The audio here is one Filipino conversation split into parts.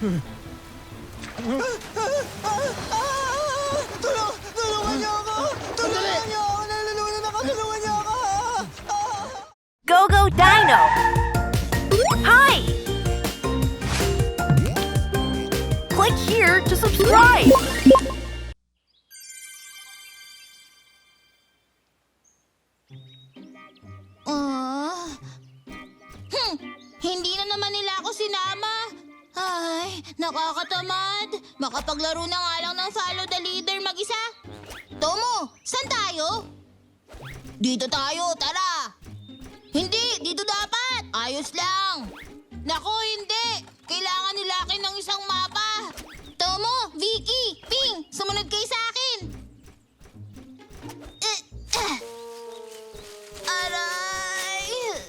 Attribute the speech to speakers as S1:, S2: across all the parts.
S1: Tulungan niyo ako! Tulungan niyo ako! Nalulungan ako! Tulungan niyo ako!
S2: Go Go Dino! Hi! Click here to subscribe!
S3: Hindi na naman nila ako sinama. Ay, nakakatamad. Makapaglaro na nga lang ng follow the leader mag-isa. Tomo, saan tayo? Dito tayo, tara. Hindi, dito dapat. Ayos lang. Naku, hindi. Kailangan nila akin ng isang mapa. Tomo, Vicky, Ping, sumunod kayo sa akin. Aray.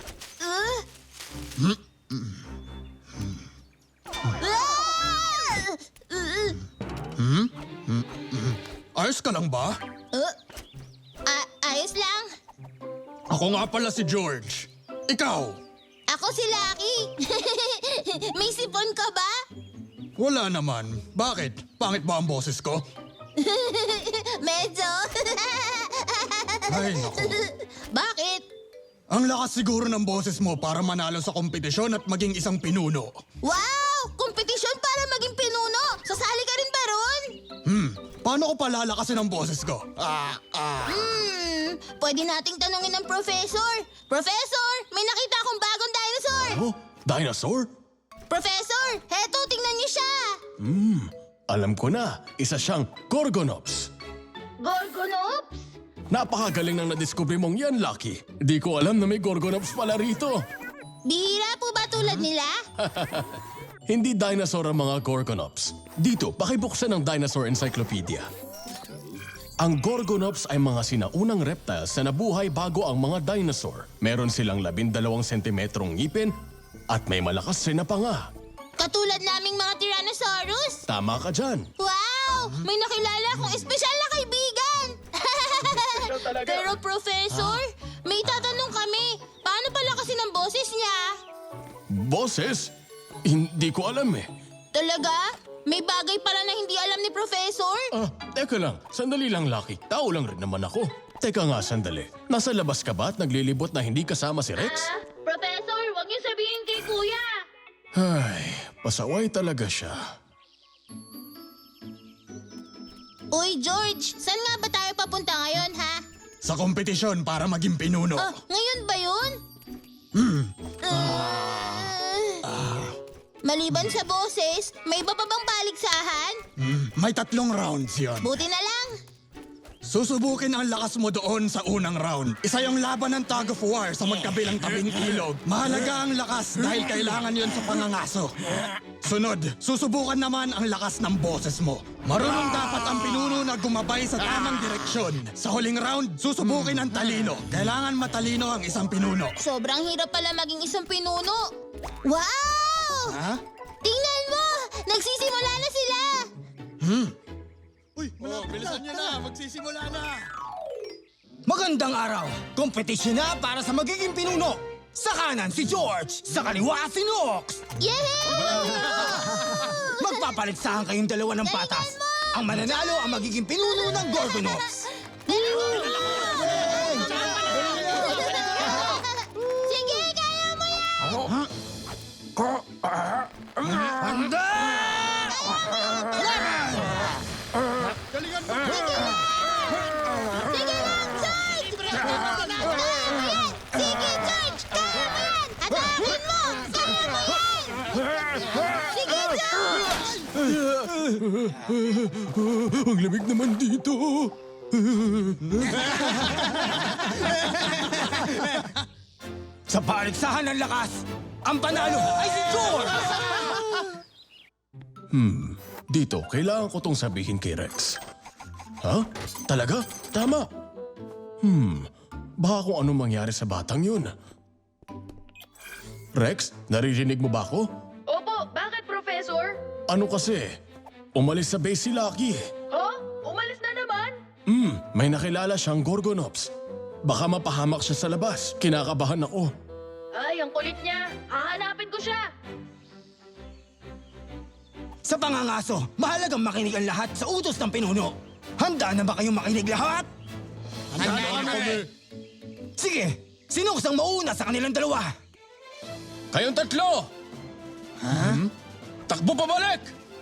S4: Ayos ka lang ba?
S3: Ayos lang.
S4: Ako nga pala si George. Ikaw?
S3: Ako si Lucky. May sipon ka ba?
S4: Wala naman. Bakit? Pangit ba ang boses ko?
S3: Medyo.
S4: Ay, naku.
S3: Bakit?
S4: Ang lakas siguro ng boses mo para manalo sa kompetisyon at maging isang pinuno.
S3: Wow! Kompetisyon para maging pinuno. Sasali ka rin ba ron?
S4: Paano ko palalakasin ang boses ko?
S3: Pwede nating tanungin ng professor. Professor, may nakita akong bagong dinosaur.
S5: Oh, dinosaur?
S3: Professor, heto, tingnan niyo siya.
S5: Alam ko na, isa siyang Gorgonops.
S3: Gorgonops?
S5: Napakagaling nang nadiskubre mong yan, Lucky. Di ko alam na may Gorgonops pala rito.
S3: Bihira po ba tulad nila?
S5: Hindi dinosaur ang mga Gorgonops. Dito, pakibuksan ang Dinosaur Encyclopedia. Ang Gorgonops ay mga sinaunang reptiles na nabuhay bago ang mga dinosaur. Meron silang 12 sentimetrong ngipin at may malakas rin na panga.
S3: Katulad naming mga Tyrannosaurus?
S5: Tama ka dyan.
S3: Wow! May nakilala akong espesyal na kaibigan! Pero Professor, may tatanong kami. Paano pala kasi ng boses niya?
S5: Boses? Hindi ko alam eh.
S3: Talaga? May bagay pala na hindi alam ni Professor?
S5: Teka lang. Sandali lang, Lucky. Tao lang rin naman ako. Teka nga, sandali. Nasa labas ka ba at naglilibot na hindi kasama si Rex?
S3: Professor, huwag niyo sabihin kay Kuya.
S5: Ay, pasaway talaga siya.
S3: Uy, George, saan nga ba tayo papunta ngayon, ha?
S4: Sa kompetisyon para maging pinuno.
S3: Ngayon ba yun? Maliban sa boses, may iba pa bang paligsahan?
S4: May 3 rounds yon.
S3: Buti na lang.
S4: Susubukin ang lakas mo doon sa unang round. Isa yung laban ng tug of war sa magkabilang tabing ilog. Mahalaga ang lakas dahil kailangan yon sa pangangaso. Sunod, susubukan naman ang lakas ng boses mo. Marunong dapat ang pinuno na gumabay sa tamang direksyon. Sa huling round, susubukin ang talino. Kailangan matalino ang isang pinuno.
S3: Sobrang hirap pala maging isang pinuno. Wow!
S4: Ha?
S3: Tingnan mo! Nagsisimula na sila!
S4: Uy, bilisan niyo na! Magsisimula na!
S1: Magandang araw! Kompetisyon na para sa magiging pinuno! Sa kanan si George! Sa kaliwa si Nox!
S3: Yay!
S1: Magpapaligsahan kayong dalawa ng patas! Ang mananalo ang magiging pinuno ng Gorgonops!
S3: Sige, kaya mo yan!
S1: Handa!
S4: Galingan mo!
S3: Sige lang, George! Sige, George! Kaya mo yan! Atakin mo! Kaya mo yan! Sige, George!
S5: Ang lamig naman dito.
S1: Sa paligsahan ng lakas, ang panalo ay si George!
S5: Dito, kailangan ko tong sabihin kay Rex. Ha? Talaga? Tama. Baka kung anong mangyari sa batang yun. Rex, naririnig mo ba ako?
S6: Opo, bakit, Professor?
S5: Ano kasi? Umalis sa base si Lucky.
S6: Ha? Umalis na naman?
S5: May nakilala siyang Gorgonops. Baka mapahamak siya sa labas. Kinakabahan ako.
S6: Ay, ang kulit niya. Hahanapin ko siya.
S1: Sa pangangaso, mahalagang makinig ang lahat sa utos ng pinuno. Handa na ba kayong makinig lahat?
S4: Handa kami.
S1: Sige, sinuksang mauna sa kanilang dalawa.
S5: Kayong tatlo! Takbo pabalik!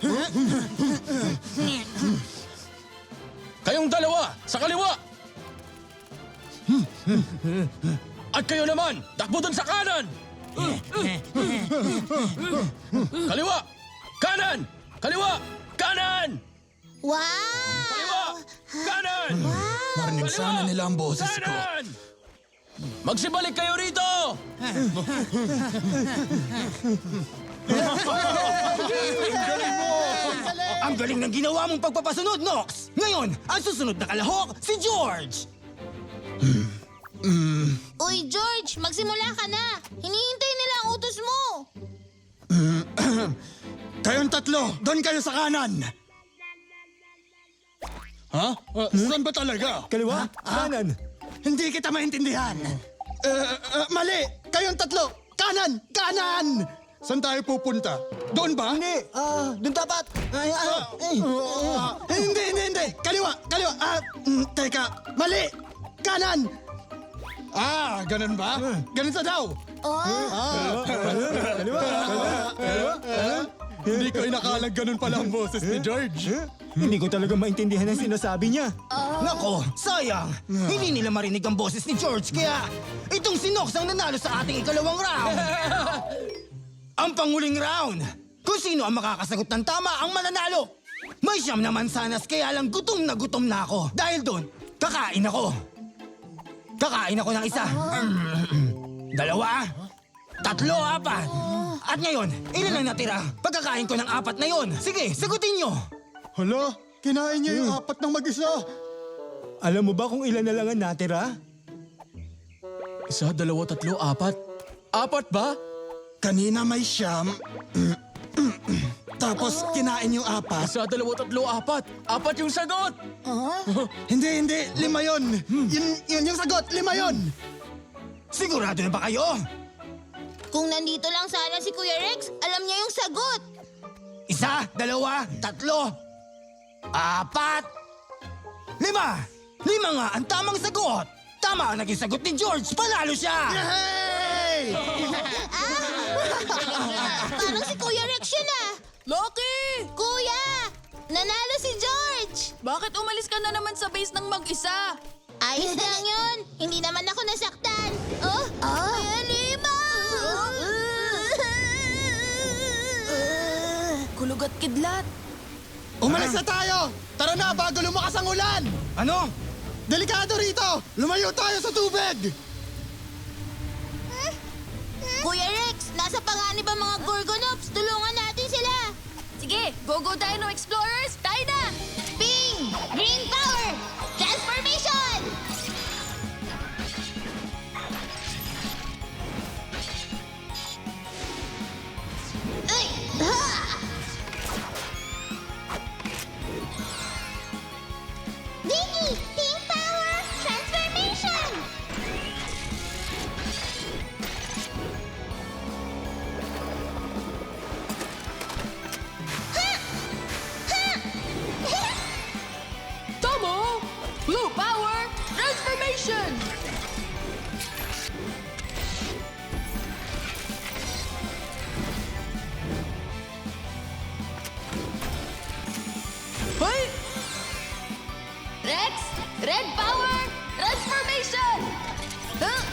S5: Kayong dalawa, sa kaliwa! At kayo naman, takbo dun sa kanan! Kaliwa! Kanan! Kaliwa! Kanan!
S3: Wow!
S5: Kaliwa! Kanan!
S4: Marinig sana nila ang boses ko.
S5: Kanan! Magsibalik kayo rito!
S1: Ang galing ng ginawa mong pagpapasunod, Nox! Ngayon, ang susunod na kalahok, si George!
S3: Uy, George, magsimula ka na. Hinihintay nila ang utos mo.
S4: Kayong tatlo, doon kayo sa kanan. Ha? Saan ba talaga?
S1: Kaliwa? Kanan?
S4: Hindi kita maintindihan. Mali! Kayong tatlo! Kanan! Kanan! Saan tayo pupunta? Doon ba? Hindi.
S1: Doon dapat!
S4: Hindi! Kaliwa! Kaliwa! Teka! Mali! Kanan! Ganun ba? Ganun sa daw! Hindi ko inakalang ganun pala ang boses ni George.
S1: Hindi ko talaga maintindihan ang sinasabi niya. Nako, sayang! Hindi nila marinig ang boses ni George, kaya itong si Nox ang nanalo sa ating ikalawang round! Ang panguling round! Kung sino ang makakasagot ng tama ang mananalo! May siyam na mansanas kaya lang gutom na ako. Dahil doon, kakain ako. Kakain ako ng isa. Dalawa. Tatlo, apat. At ngayon, ilan ang natira? Pagkakain ko ng apat na yon. Sige, sagutin nyo.
S4: Hala, kinain niya yung apat ng mag-isa.
S1: Alam mo ba kung ilan na lang ang natira?
S5: Isa, dalawa, tatlo, apat. Apat ba?
S4: Kanina may siyam. Tapos kinain yung apat.
S5: Isa, dalawa, tatlo, apat. Apat yung sagot!
S4: Hindi. 5 yon. Yun yung sagot. 5 yon.
S1: Sigurado na ba kayo?
S3: Kung nandito lang sana si Kuya Rex, alam niya yung sagot.
S1: Isa, dalawa, tatlo, apat, 5. 5 nga ang tamang sagot. Tama ang naging sagot ni George. Panalo siya!
S4: Hey!
S3: Parang si Kuya Rex yun ah.
S7: Loki!
S3: Kuya! Nanalo si George!
S7: Bakit umalis ka na naman sa base ng mag-isa?
S3: Ayos lang yun. Hindi naman ako nasaktan. Oh, Kuya Lima!
S7: Kulog at kidlat.
S4: Umalis na tayo! Tara na bago lumakas ang ulan!
S1: Ano?
S4: Delikado rito! Lumayo tayo sa tubig!
S3: Kuya Rex, nasa panganib ang mga Gorgonops. Tulungan natin sila.
S7: Sige, go Dino Explorers, tayo na!
S3: Ping! Green Power! Transformation! Ay! Ha! Dingy! Pink Power! Transformation!
S7: Tomo! Blue Power, Transformation! Hoy! Rex, Red Power, Transformation! Huh?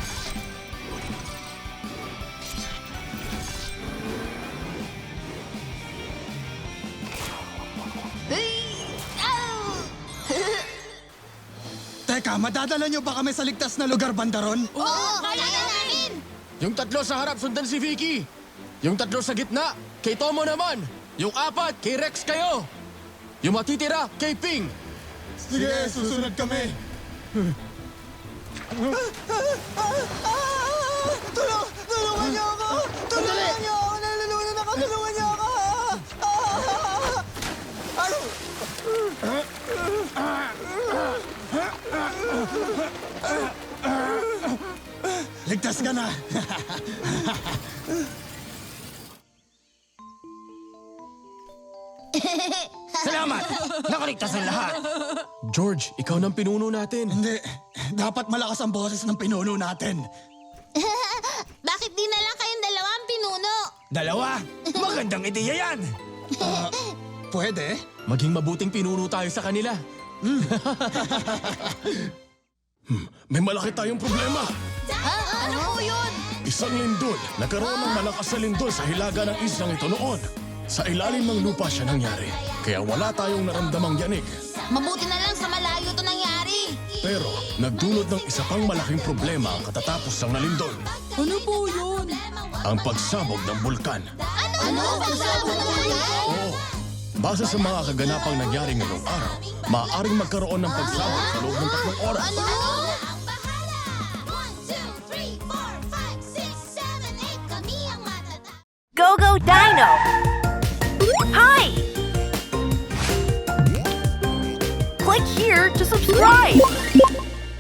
S4: Teka, madadala niyo ba kami sa ligtas na lugar, Bandaron?
S3: Oo, kaya namin!
S5: Yung tatlo sa harap, sundan si Vicky. Yung tatlo sa gitna, kay Tomo naman. Yung apat, kay Rex kayo. Yung matitira, kay Ping.
S4: Sige, susunod kami.
S1: Tulungan niyo ako! Tulungan niyo ako! Nalulunan ako! Tulungan niyo ako!
S4: Ligtas ka na.
S1: Salamat! Nakaligtas ang lahat!
S5: George, ikaw nang pinuno natin.
S4: Hindi. Dapat malakas ang boses ng pinuno natin.
S3: Bakit di na lang kayong dalawa ang pinuno?
S1: Dalawa? Magandang ideya yan!
S4: Pwede?
S5: Maging mabuting pinuno tayo sa kanila. May malaki tayong problema.
S7: Ano po yun?
S5: Isang lindol. Nagkaroon ng malakas na lindol sa hilaga ng islang ito noon. Sa ilalim ng lupa siya nangyari. Kaya wala tayong naramdamang yanig.
S3: Mabuti na lang sa malayo to nangyari.
S5: Pero nagdulot ng isa pang malaking problema ang katatapos ng nalindol.
S7: Ano po yun?
S5: Ang pagsabog ng bulkan.
S3: Ano? Pagsabog ng ulan?
S5: Oo. Base sa mga kaganapang nangyari ngayong araw, maaaring magkaroon ng pagsabog sa loob ng 3 oras.
S3: Ano?
S8: Ang bahala! 1, 2, 3, 4, 5, 6, 7, 8. Kami ang matatag.
S2: Go Go Dino! Hi! Click here to subscribe!